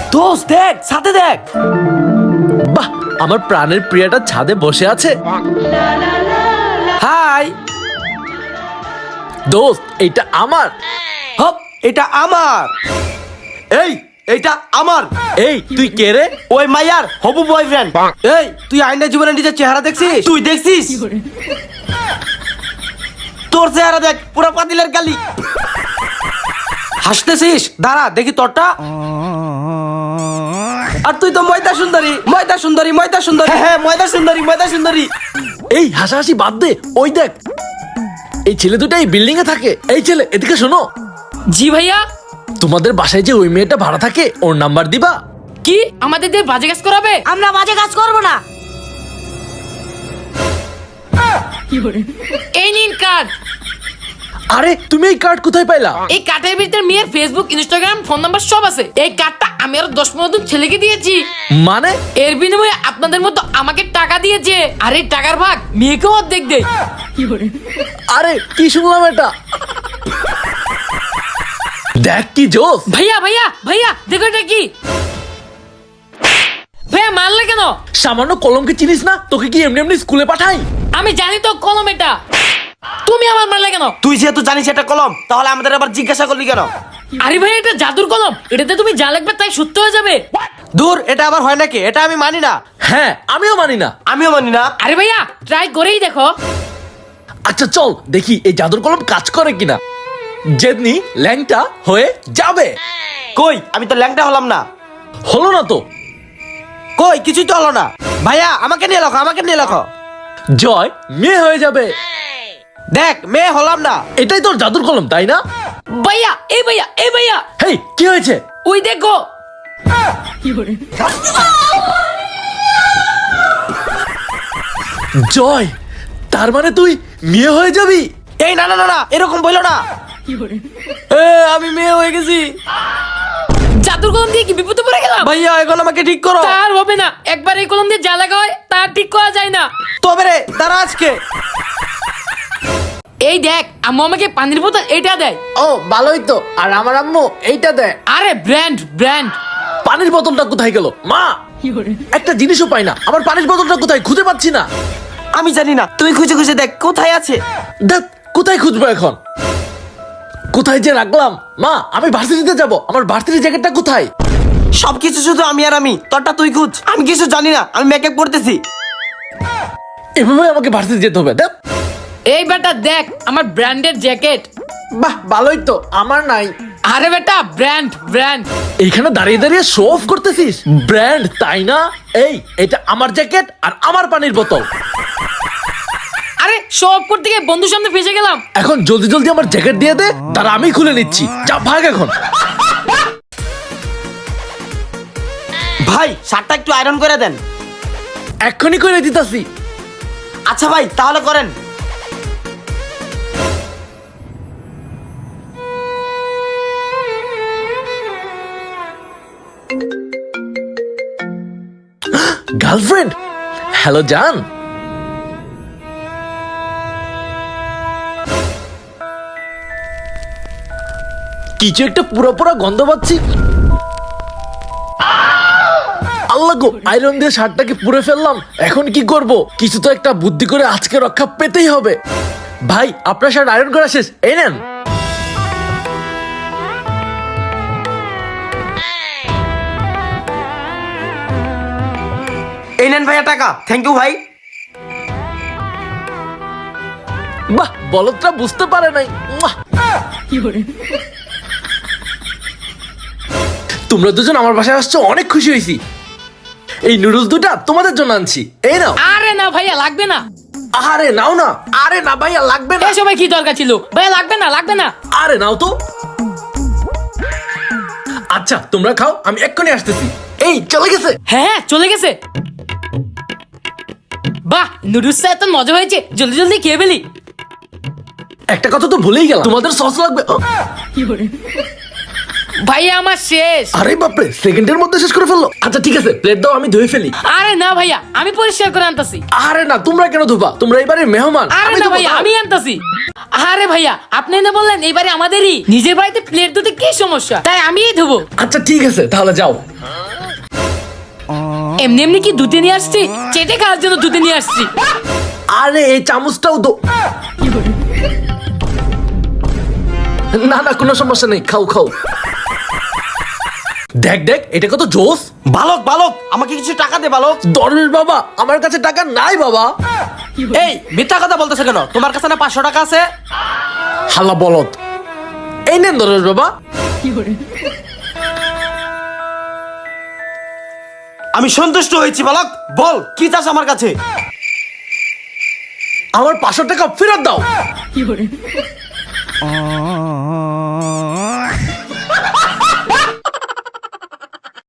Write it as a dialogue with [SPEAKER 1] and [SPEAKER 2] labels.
[SPEAKER 1] দোস্ত দেখ, ছাদে দেখ।
[SPEAKER 2] বাহ, আমার প্রাণের প্রিয়াটা ছাদে বসে আছে।
[SPEAKER 1] হাই
[SPEAKER 2] দোস্ত, এইটা আমার।
[SPEAKER 1] হপ, এটা আমার। এই, এইটা আমার।
[SPEAKER 2] এই তুই কে রে?
[SPEAKER 1] ওই মাইয়ার হবু বয়ফ্রেন্ড। এই, তুই আইনা জীবনে নিজের চেহারা দেখছিস? তুই দেখছিস? তোর চেহারা দেখ, পুরো পাতিলের গালি। হাসতেছিস? দাঁড়া দেখি তোরটা। আর তুই তো ময়দা সুন্দরী, ময়দা সুন্দরী, ময়দা সুন্দরী। হ্যাঁ, ময়দা সুন্দরী, ময়দা সুন্দরী।
[SPEAKER 2] এই হাসাহাসি বাদ দে, ওই দেখ এই ছেলে দুটো এই বিল্ডিং এ থাকে। এই ছেলে, এদিকে শোনো।
[SPEAKER 3] জি ভাইয়া।
[SPEAKER 2] তোমাদের বাসায় যে ওই মেয়েটা ভাড়া থাকে, ওর নাম্বার দিবা?
[SPEAKER 3] কি আমাদের দিয়ে বাজে কাজ করাবে?
[SPEAKER 4] আমরা বাজে কাজ করব না।
[SPEAKER 3] এই নিন কার্ড।
[SPEAKER 2] আরে তুমি এই কার্ড কোথায় পাইলা?
[SPEAKER 3] এই কার্ডের ভিতরে মেয়ের ফেসবুক, ইনস্টাগ্রাম, ফোন নাম্বার সব আছে। এই কার্ডটা আমি আরো 10-15 জন ছেলেকে দিয়েছি।
[SPEAKER 2] মানে?
[SPEAKER 3] এর বিনিময়ে আপনাদের মতো আমাকে টাকা দিয়েছে, আর এই টাকার ভাগ মেয়েকেও অর্ধেক দেয়।
[SPEAKER 2] আরে কি শুনলাম এটা? দেখ কি জোস।
[SPEAKER 3] ভাইয়া ভাইয়া ভাইয়া, দেখো এটা কি। ভাইয়া মারলে কেন?
[SPEAKER 2] সামান্য কলমকে চিনিস না? তোকে কি এমনি এমনি স্কুলে পাঠাই?
[SPEAKER 3] আমি জানি তো কলম এটা। তুমি আমার মারলে কেন?
[SPEAKER 1] তুই যেহেতু জানিস এটা কলম, তাহলে আমাদের আবার জিজ্ঞাসা করলি কেন?
[SPEAKER 3] আরে ভাই, এটা জাদুর কলম। এটাতে তুমি যা লিখবে তাই সত্য হয়ে যাবে।
[SPEAKER 1] দূর, এটা আবার হয় নাকি? এটা আমি মানি না।
[SPEAKER 2] হ্যাঁ, আমিও মানি না।
[SPEAKER 1] আমিও মানি না।
[SPEAKER 3] আরে ভাইয়া, ট্রাই করেই দেখো।
[SPEAKER 2] আচ্ছা চল দেখি এই জাদুর কলম কাজ করে কিনা। জেদনি ল্যাংটা হয়ে যাবে।
[SPEAKER 1] কই, আমি তো ল্যাংটা হলাম না।
[SPEAKER 2] হলো না তো।
[SPEAKER 1] কই, কিছুই তো হলো না। ভাইয়া, আমাকে নিয়ে লেখো, আমাকে নিয়ে লেখো।
[SPEAKER 2] জয় মেয়ে হয়ে যাবে।
[SPEAKER 1] দেখ, মেয়ে হলাম না।
[SPEAKER 2] এটাই তোর জাদুর কলম, তাই না?
[SPEAKER 3] ভাইয়া, এই ভাইয়া, এই ভাইয়া,
[SPEAKER 2] হেই, কি হয়েছে?
[SPEAKER 3] ওই দেখো।
[SPEAKER 2] জয়, তার মানে তুই মেয়ে হয়ে যাবি?
[SPEAKER 1] এই না না না না, এরকম বলো না। আমি মেয়ে হয়ে গেছি।
[SPEAKER 3] জাদুর কলম দিয়ে কি বিপদে পড়ে গেলাম?
[SPEAKER 1] ভাইয়া, এখন আমাকে ঠিক করো।
[SPEAKER 3] তার হবে না। একবার এই কলম দিয়ে যা লাগা হয় তার ঠিক করা যায় না।
[SPEAKER 1] তবে রে, দাঁড়া আজকে।
[SPEAKER 3] এই দেখ, আম্মু আমাকে পানির বোতল এইটা দেয়।
[SPEAKER 2] ও ভালোই তো। আর আমার আম্মু এইটা দেয়।
[SPEAKER 3] আরে ব্র্যান্ড ব্র্যান্ড।
[SPEAKER 2] পানির বোতলটা কোথায় গেল? মা, একটা জিনিসও পাই না। আমার পানির বোতলটা কোথায়? খুঁজে পাচ্ছি না।
[SPEAKER 1] আমি জানি না, তুই খুঁজে খুঁজে দেখ কোথায় আছে।
[SPEAKER 2] দেখ, কোথায় খুঁজবো এখন? কোথায় যে রাখলাম? মা, আমি ভার্সিটিতে যাব। আমার ভার্সিটির জ্যাকেটটা কোথায়?
[SPEAKER 1] সবকিছু শুধু আমি আর আমি। তোরটা তুই খুঁজ, আমি কিছু জানি না। আমি মেকআপ করতেছি।
[SPEAKER 2] এভাবে আমাকে ভার্সিটি যেতে হবে? দেখ।
[SPEAKER 3] এই বেটা দেখ, আমার ব্র্যান্ডের জ্যাকেট।
[SPEAKER 2] বাহ, ভালোই তো। আমার নাই।
[SPEAKER 3] আরে বেটা, ব্র্যান্ড ব্র্যান্ড।
[SPEAKER 2] এইখানে দাঁড়িয়ে দাঁড়িয়ে শো অফ করতেছিস? ব্র্যান্ড, তাই না? এই, এটা আমার জ্যাকেট আর আমার পানির বোতল।
[SPEAKER 3] আরে সব করতে গিয়ে বন্ধুর সামনে ফেসে গেলাম।
[SPEAKER 2] এখন জলদি জলদি আমার জ্যাকেট দিয়ে দে, তার আমি খুলে নিচ্ছি। যা, ভাগ এখন।
[SPEAKER 1] ভাই, শার্টটা একটু আয়রন করে দেন।
[SPEAKER 2] এক্ষুনি করে দিতাছি।
[SPEAKER 1] আচ্ছা ভাই, তাহলে করেন।
[SPEAKER 2] গার্লফ্রেন্ড, হ্যালো জান। কিছু একটা পুরো পুরো গন্ধ পাচ্ছি। আল্লাহ গো, আয়রন দিয়ে শার্টটাকে পুড়ে ফেললাম। এখন কি করব? কিছু তো একটা বুদ্ধি করে আজকে রক্ষা পেতেই হবে। ভাই, আপনার শার্ট আয়রন করা শেষ, এই নেন।
[SPEAKER 1] এই নেন ভাইয়া টাকা। থ্যাংক ইউ ভাই।
[SPEAKER 2] বাহ, বলদটা বুঝতে পারে নাই। মুয়া। তোমরা দুজন আমার বাসায় আসছো, অনেক খুশি হয়েছি। এই নুডলস দুটা তোমাদের জন্য আনছি, এই নাও।
[SPEAKER 3] আরে না ভাইয়া, লাগবে না।
[SPEAKER 2] আরে নাও না। আরে না ভাইয়া, লাগবে না।
[SPEAKER 3] এই সময় কি দরকার ছিল? ভাইয়া লাগবে না, লাগবে না।
[SPEAKER 2] আরে নাও তো। আচ্ছা তোমরা খাও, আমি এক্ষুনি আসতেছি। এই চলে গেছে।
[SPEAKER 3] হ্যাঁ, চলে গেছে। বাহ, নুডলসটা এত মজা হয়েছে, জলদি জলদি খেয়ে ফেলি।
[SPEAKER 2] একটা কথা তো ভুলেই গেলাম, তোমাদের সস লাগবে।
[SPEAKER 3] ভাইয়া আমার শেষ।
[SPEAKER 2] আরে বাপরে, সেকেন্ডের মধ্যে শেষ করে ফেললো। আচ্ছা ঠিক আছে, প্লেট দাও, আমি ধুয়ে ফেলি।
[SPEAKER 3] আরে না ভাইয়া, আমি পরিষ্কার করে আনতাছি।
[SPEAKER 2] আরে না, তোমরা কেন ধোবা? তোমরা এবারে মেহমান।
[SPEAKER 3] আরে
[SPEAKER 2] আমি
[SPEAKER 3] না
[SPEAKER 2] ধোবো,
[SPEAKER 3] ভাইয়া,
[SPEAKER 2] দাও।
[SPEAKER 3] আমি আনতাছি। আরে ভাইয়া, আপনি না বললেন এইবারে আমাদেরই, নিজের বাড়িতে প্লেট ধুতে কি সমস্যা, তাই আমিই ধুবো।
[SPEAKER 2] আচ্ছা ঠিক আছে, তাহলে যাও।
[SPEAKER 3] এমনি এমনি কি ধুতে নিয়ে আসছি, চেটে খাওয়ার জন্য ধুতে নিয়ে আসছি।
[SPEAKER 2] আরে এই চামচটাও দো। না না, কোনো সমস্যা নেই, খাও খাও। দেখ দেখ, এটা কত জোস।
[SPEAKER 1] বালক বালক, আমাকে কিছু টাকা দে বালক।
[SPEAKER 2] দরবেশ বাবা, আমার কাছে টাকা নাই বাবা।
[SPEAKER 1] এই মিথ্যা কথা বলতেছে কেন? তোমার কাছে না 500 টাকা আছে?
[SPEAKER 2] হাল্লা বলত। এই নেন দরবেশ বাবা।
[SPEAKER 1] আমি সন্তুষ্ট হয়েছি বালক, বল কি চাস আমার কাছে?
[SPEAKER 2] আমার 500 টাকা ফেরত দাও।